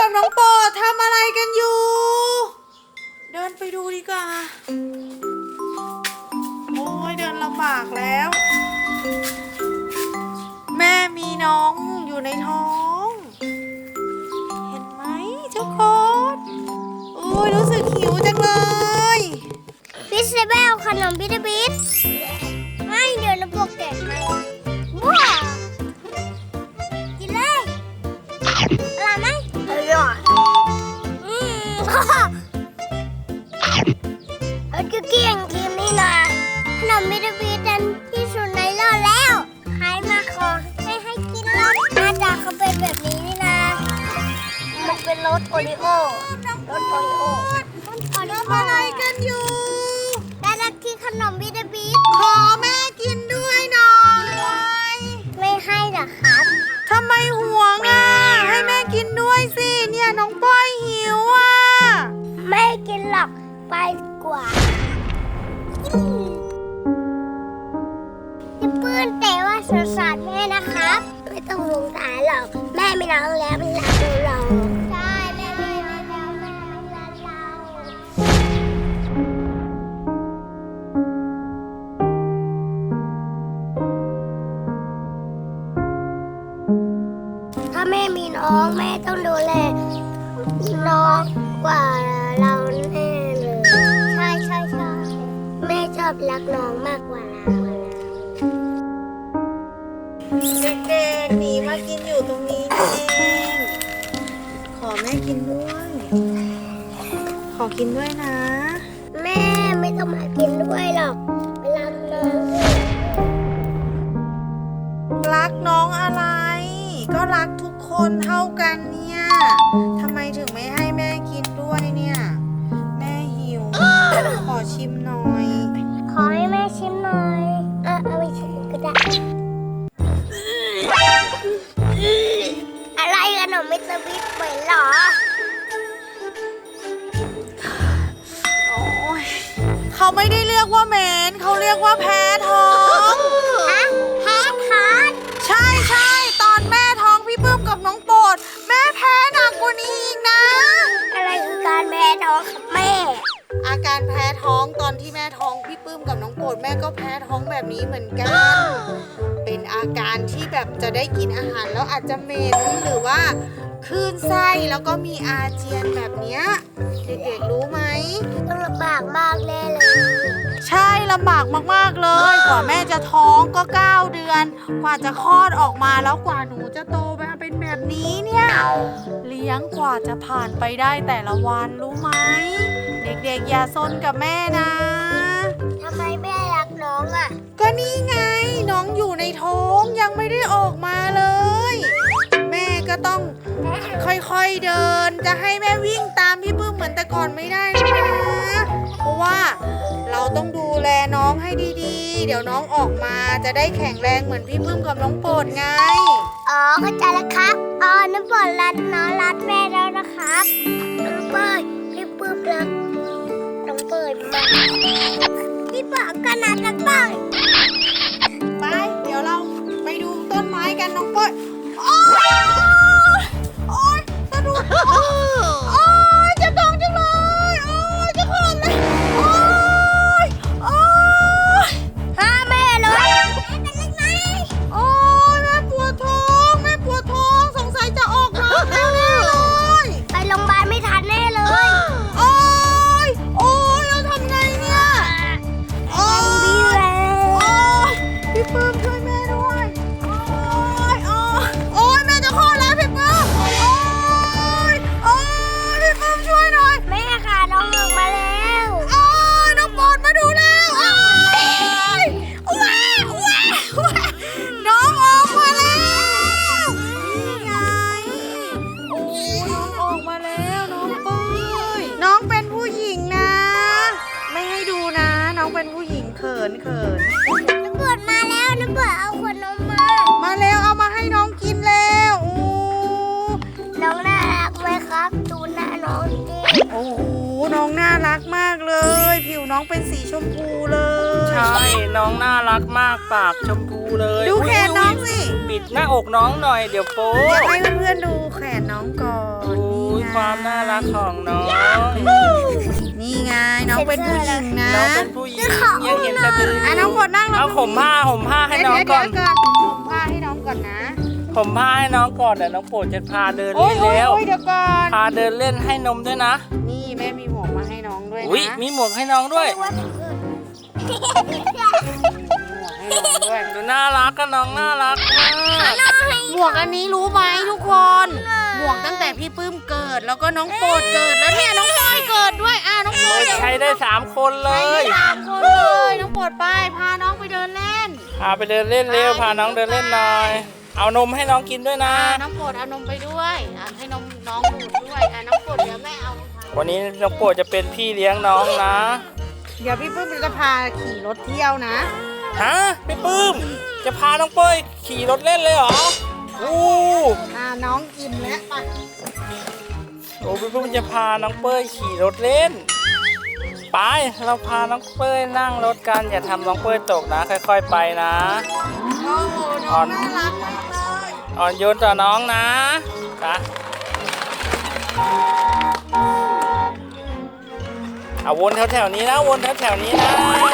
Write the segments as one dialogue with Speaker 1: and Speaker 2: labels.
Speaker 1: กับน้องโปรดทำอะไรกันอยู่ เดินไปดูดีกว่าโอ้ยเดินลำบากแล้ว แม่มีน้องอยู่ในท้อง เห็นไหมทุกคนโอ้ยรู้สึกหิวจังเลย
Speaker 2: บิสเบลขนมบิทบิทไม่เดี๋ยวน้ำพวกแกะให้ว้าวกินเลยอร่อยไหมอร่อยเราจะเกี่ยงทีมนี่นะขนมบิทบิทดันที่สุดในโลกแล้วใครมาขอให้กินรสหน้าตาเขาเป็นแบบนี้นี่นะมันเป็นรสโอริโอรสโอริโอ
Speaker 1: ทำอะไรกันอยู่
Speaker 2: ได้รักที่ขนมบิทบิท
Speaker 1: ขอแม่กินด้วยหน่อย
Speaker 2: ไม่ให้หรอครับ
Speaker 1: ทำไมห่วงอ่ะให้แม่กินด้วยสิเนี่ยน้องป้อยหิวอ่ะ
Speaker 2: ไม่กินหรอกไปกว่าพี่ปื้นแต่ว่าสงสารแม่นะครับไม่ต้องสงสารหรอกแม่ไม่รักแล้วมันรักเราใช่แม่ไม่รักแล้วแม่รักเราถ้าแม่มีน้องแม่ต้องดูแลน้องกว่าเราแน่เลยใช่ใช่ใช่แม่ชอบรักน้องมากกว่าเรา
Speaker 1: เด็กๆหนีมากินอยู่ตรงนี้นี่เองขอแม่กินด้วยขอกินด้วยนะ
Speaker 2: แม่ไม่ต้องมากินด้วยหรอกรักน้อง
Speaker 1: รักน้องอะไรก็รักทุกคนเท่ากันเนี่ยทำไมถึงไม่ให้แม่กินด้วยเนี่ยแม่หิวขอชิมหน่อย
Speaker 2: ขอให้แม่ชิมหน่อยเอาไปชิมก็ได้อะไรขนมมิสเตอร์บิ๊กเหมือนหรอ
Speaker 1: โอ้ยเขาไม่ได้เรียกว่าเหม็นเขาเรียกว่าแพ้ท้อง
Speaker 2: ฮะแพ้ท้อง
Speaker 1: ใช่ใช่ตอนแม่ท้องพี่ปื้มกับน้องโปรดแม่แพ้หนักกว่านี้อีกนะ
Speaker 2: อะไรคือการแพ้ท้องครับแม่
Speaker 1: อาการแพ้ท้องตอนที่แม่ท้องพี่ปื้มกับน้องโปรดแม่ก็แพ้ท้องแบบนี้เหมือนกันเป็นอาการที่แบบจะได้กินอาหารแล้วอาจจะเหม็นหรือว่าคลื่นไส้แล้วก็มีอาเจียนแบบเนี้ยเด็กๆรู้ไหม
Speaker 2: ต้องลำบากมากแน่เลย
Speaker 1: ใช่ลำบากมากๆเลยกว่าแม่จะท้องก็9 เดือนกว่าจะคลอดออกมาแล้วกว่าหนูจะโตมาเป็นแบบนี้เนี่ยเลี้ยงกว่าจะผ่านไปได้แต่ละวันรู้ไหมเด็กๆอย่าซนกับแม่นะ
Speaker 2: ทำไมแม่รักน้องอ่ะ
Speaker 1: ก็นี่ไงน้องอยู่ในท้องยังไม่ได้ออกมาเลยแม่ก็ต้องค่อยๆเดินจะให้แม่วิ่งตามพี่ปื้มเหมือนแต่ก่อนไม่ได้นะเพราะว่าเราต้องดูแลน้องให้ดีๆเดี๋ยวน้องออกมาจะได้แข็งแรงเหมือนพี่ปื้มกับน้องโปรดไง
Speaker 2: อ๋อเข้าใจแล้วครับน้องโปรดรักน้องรักแม่แล้วนะครับน้องเปิ้ลพี่ปื้มรักน้องเปิ้ลมากพี่เปิ้ลก็น่ารักมาก
Speaker 1: ไปเดี๋ยวเราไปดูต้นไม้กันน้องเปิ้ลโอ๊ยสะดุดโอ๊ยเจ็บท้องจังเลยโอ๊ยจะคลอดเลยโอ๊ย
Speaker 2: ห้าแม่เลยเป็นยังไง
Speaker 1: โอ๊ยแม่ปวดท้องสงสัยจะออกมาแน่เลย
Speaker 2: ไปโรงพยาบาลไม่ทันแน่เลย
Speaker 1: โอ๊ยเราทำไงเนี่ยโอ๊ยพี่ปื้มช่วยแม่ด้วยโอ๊ยแม่จะคลอดแล้วพี่ปื้มพี่ปื้มช่วยหน่อย
Speaker 2: แม่ค่ะน้องออกมาแล้ว
Speaker 1: น้องโปรดมาดูแล้วน้องออกมาแล้วนี่ไงน้องออกมาแล้วน้องเป้ยน้องเป็นผู้หญิงนะไม่ให้ดูนะน้องเป็นผู้หญิงเขิน
Speaker 2: น้ำเบิดมาแล้วน้ำเบิดเอาขวดนม
Speaker 1: มาแล้วเอามาให้น้องกินแล้ว
Speaker 2: น้องน่ารักไหมครับดูหน้าน้องดิ
Speaker 1: โอ้โหน้องน่ารักมากเลยผิวน้องเป็นสีชมพูเลย
Speaker 3: ใช่น้องน่ารักมากปากชมพูเลย
Speaker 1: ดูแขนน้องสิ
Speaker 3: ปิดหน้าอกน้องหน่อยเดี๋ยวโป๊
Speaker 1: อยากให้เพื่อนๆดูแขนน้องก่อนนี่ไง
Speaker 3: ความน่ารักของน้อง
Speaker 1: นี่ไงน้องเป็นผู้หญิงนะ
Speaker 3: น้องเป็นผู้หญิงยังเห็นสะดือ
Speaker 1: อ่ะน้องกดนั่งลง
Speaker 3: เอาห่มผ้าให้น้องก่อน
Speaker 1: เดี๋ยวผมผ้าให้น้องก่อนนะ
Speaker 3: ห่มผ้าให้น้องก่อนเดี๋ยวน้องโปรดจะพาเดิน
Speaker 1: โอ้
Speaker 3: เล่
Speaker 1: ย
Speaker 3: นแล้ว
Speaker 1: เดี๋ยวก่อน
Speaker 3: พาเดินเล่นให้นมด้วยนะ
Speaker 1: นี่แม่มีหมวกมาให้น้องด้วยนะ
Speaker 3: อุ้ยมีหมวกให้น้องด้วย
Speaker 2: ว่าถึงอื่น
Speaker 1: มีหมวกให้น้องด้วย
Speaker 3: ดูน่ารักกันน้องน่ารักมาก
Speaker 1: หมวกอันนี้รู้ไหมทุกคน หมวกตั้งแต่พี่ปื้มเกิด แล้วก็น้องโปรดเกิดแล้วเนี่ยน้องพลอยเกิดด้วยน้องโปรด
Speaker 3: ใช้ได้3 คนเล
Speaker 1: ไปได้
Speaker 3: ย
Speaker 1: 3 คนเลยน้องโปรดไปพาน้องไปเดินเล่น
Speaker 3: พาไปเดินเล่นเร็วพาน้องเดินเล่นหน่อย เอานมให้น้องกินด้วยนะ
Speaker 1: น้องโปรดเอานมไปด้วยให้นมน้องดูดด้วยน้องโปรดเดี๋ยวแม่เอารองเท้า
Speaker 3: วันนี้น้องโปรดจะเป็นพี่เลี้ยงน้องนะ
Speaker 1: เดี๋ยวพี่ปื้มจะพาขี่รถเที่ยวนะ
Speaker 3: ฮะพี่ปื้มจะพาน้องเป้ยขี่รถเล่นเลยเหรออู้
Speaker 1: น้องอิ่มแล้วไป
Speaker 3: โอ้พี่ปื้มจะพาน้องเป้ยขี่รถเล่นไปเราพาน้องเป้ยนั่งรถกันอย่าทำน้องเป้ยตกนะค่อยๆไปนะ
Speaker 1: โอ้โหน้องน่ารักมากเลย
Speaker 3: อ่อนโยนต่อน้องนะไปเอาวนแถวๆนี้นะวนแถวๆนี้นะ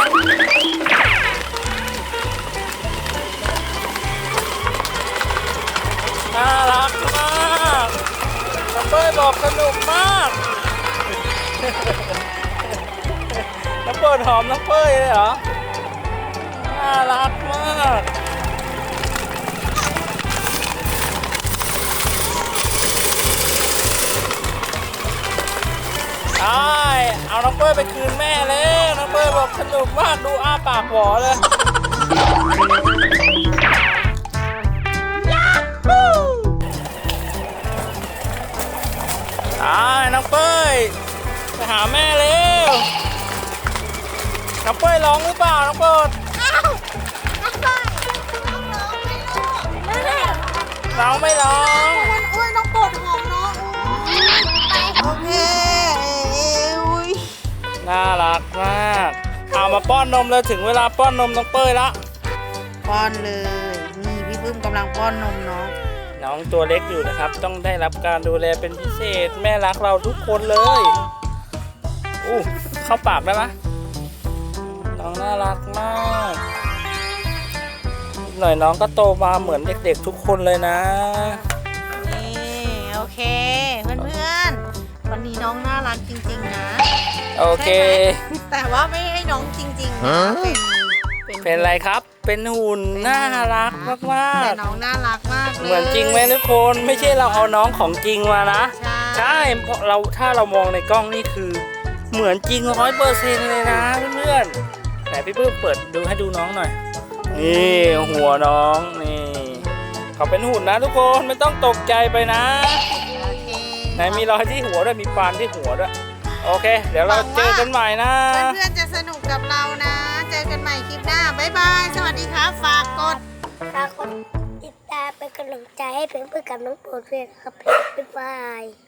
Speaker 3: น่ารักมากน้องเป้ยบอกสนุกมากน้องเป้ยหอมน้องเป้ยเลยเหรอน่ารักมากใช่เอาน้องเป้ยไปคืนแม่เลยน้องเป้ยบอกสนุกมากดูอ้าปากหวอเลยน้องเป้ยไปหาแม่เร็วน้องเป้ยร้องหรือเปล่าน้องโปรดน้องไม่ร้อง
Speaker 1: อุ้ยน้องโปรดหอมน้องโอเคอุ้ย
Speaker 3: น่ารักมากเอามาป้อนนมเลยถึงเวลาป้อนนมน้องเป้ยละ
Speaker 1: ป้อนเลยนี่พี่ปื้มกำลังป้อนนมน้อง
Speaker 3: น้องตัวเล็กอยู่นะครับต้องได้รับการดูแลเป็นพิเศษแม่รักเราทุกคนเลยอู้เข้าปากได้ไหมน้องน่ารักมากอีกหน่อยน้องก็โตมาเหมือนเด็กๆทุกคนเลยนะ
Speaker 1: นี่โอเคเพื่อนๆวันนี้น้องน่ารักจริงๆนะ
Speaker 3: โอเค
Speaker 1: แต่ว่าไม่ให้น้องจริงๆนะ
Speaker 3: เป็นอะไรครับเป็นหุ่นน่ารักมาก
Speaker 1: แต่น้องน่ารักมากลย
Speaker 3: ๆเหมือนจริงไหมทุกคนไม่ใช่เราเอาน้องของจริงมานะ
Speaker 1: ใช่
Speaker 3: ใช่เพราะเราถ้าเรามองในกล้องนี่คือเหมือนจริง100%เลยนะเพื่อนๆไหนพี่ปื้มเปิดดูให้ดูน้องหน่อยนี่หัวน้องนี่เขาเป็นหุ่นนะทุกคนไม่ต้องตกใจไปนะ
Speaker 1: โอเค
Speaker 3: ไหนมีรอยที่หัวด้วยมีปานที่หัวด้วยโอเค เดี๋ยวเราเจอกันใหม่นะ
Speaker 1: เพื่อนๆจะสนุกกับเรานะ เจอกันใหม่คลิปหน้าบ๊ายบายสวัสดีครับฝากกด
Speaker 2: ฝากกดติดตามเป็นกำลังใจให้เพื่อนๆกับน้องโปรดด้วยครับบ๊ายบาย